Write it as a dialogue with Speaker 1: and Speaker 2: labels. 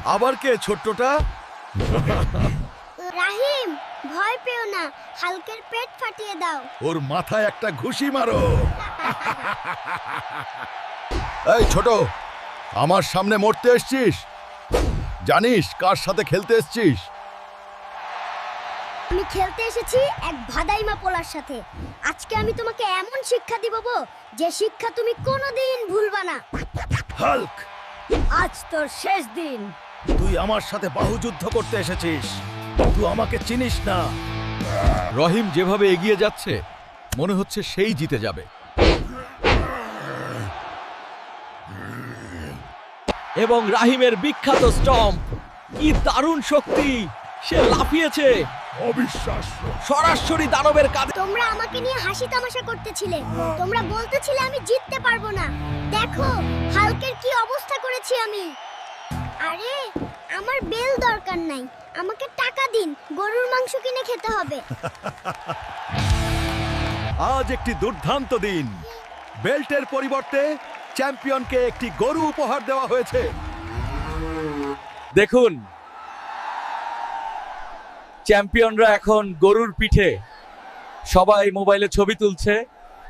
Speaker 1: আবার কে ছোট্টটা?
Speaker 2: রাহিম, ভয় পেও না, হালকের পেট ফাটিয়ে দাও।
Speaker 1: ওর মাথায় একটা ঘুষি মারো। এই ছোট, আমার সামনে মরতে এসছিস? জানিস কার সাথে খেলতে এসছিস?
Speaker 2: আমি খেলতে এসেছি এক ভাদাইমা পোলার সাথে। আজকে আমি তোমাকে এমন শিক্ষা দিব যে শিক্ষা তুমি কোনোদিন ভুলবা না।
Speaker 1: হাল্ক,
Speaker 2: আজ তোর শেষ দিন।
Speaker 1: তুই আমার সাথে বাহুযুদ্ধ করতে এসেছিস। তুই আমাকে চিনিস না। রহিম যেভাবে এগিয়ে যাচ্ছে মনে হচ্ছে সেই জিতে যাবে।
Speaker 3: এবং রাহিমের বিখ্যাত স্টম্প, কি দারুণ শক্তি! সে লাফিয়েছে
Speaker 1: অবিশ্বাস্য।
Speaker 3: সরাসরি দানবের কাঁধে।
Speaker 2: তোমরা আমাকে নিয়ে হাসি তামাশা করতেছিলে, তোমরা বলতেছিলে আমি জিততে পারবো না। দেখো হালকের কি অবস্থা করেছি আমি। আরে আমার বেল দরকার নাই, আমাকে টাকা দিন, গরুর মাংস কিনে খেতে হবে।
Speaker 1: আজ একটি দুর্দান্ত দিন। বেল্টের পরিবর্তে চ্যাম্পিয়নকে একটি গরু উপহার দেওয়া হয়েছে।
Speaker 3: দেখুন, চ্যাম্পিয়নরা এখন গরুর পিঠে। সবাই মোবাইলে ছবি তুলছে।